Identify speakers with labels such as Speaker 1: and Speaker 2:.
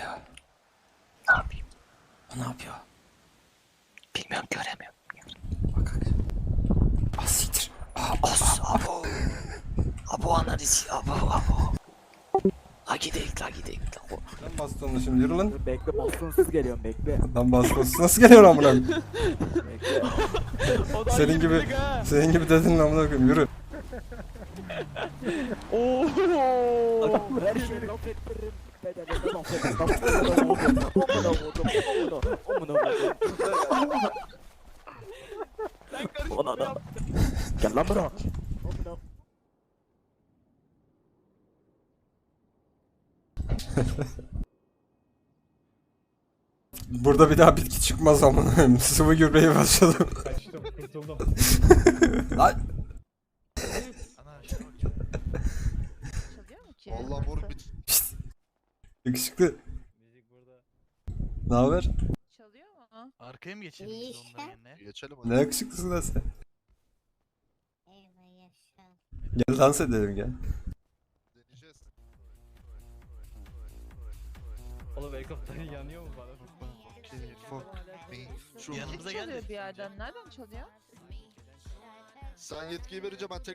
Speaker 1: oluyor? Ne yapayım? O ne yapıyor? Bilmiyorum, göremiyorum. Bak. Asiktir. Abo. Abo analiz. Abo. La gidelim.
Speaker 2: Lan bastonla şimdi yürü lan.
Speaker 3: Bekle bastonsuz geliyorum bekle.
Speaker 2: Lan bastonsuz nasıl geliyor amına koyayım?
Speaker 3: Bekle.
Speaker 2: Senin gibi dedin amına koyayım yürü.
Speaker 3: Her şeyi laf ettiririm. Bedelinde laf ettim. Amına vurdum. Ona da. Gel lan bura.
Speaker 2: Burada bir daha bitki çıkmaz amına koyayım. Sıvı gübreye başladım.
Speaker 4: Kaçtım, kurtuldum.
Speaker 2: Lan.
Speaker 5: Çalıyor mu ki?
Speaker 6: Vallahi mor bit.
Speaker 2: Yakışıklı.
Speaker 4: Müzik burada.
Speaker 2: Ne haber?
Speaker 5: Çalıyor mu?
Speaker 7: Arkaya mı geçelim biz onların yerine?
Speaker 6: Geçelim hadi.
Speaker 2: Ne yakışıklısın lan sen.
Speaker 8: Eyvah yaşa.
Speaker 2: Gel dans edelim gel.
Speaker 6: Deneyeceğiz.
Speaker 4: Oğlum helikopter yanıyor mu bana?
Speaker 6: Fuck me. Şu
Speaker 7: Yanımıza
Speaker 5: Müzik
Speaker 7: gel
Speaker 5: çalıyor
Speaker 7: de.
Speaker 5: bir yerden. Nereden çalıyor?
Speaker 6: sen yetkiyi verince ben tek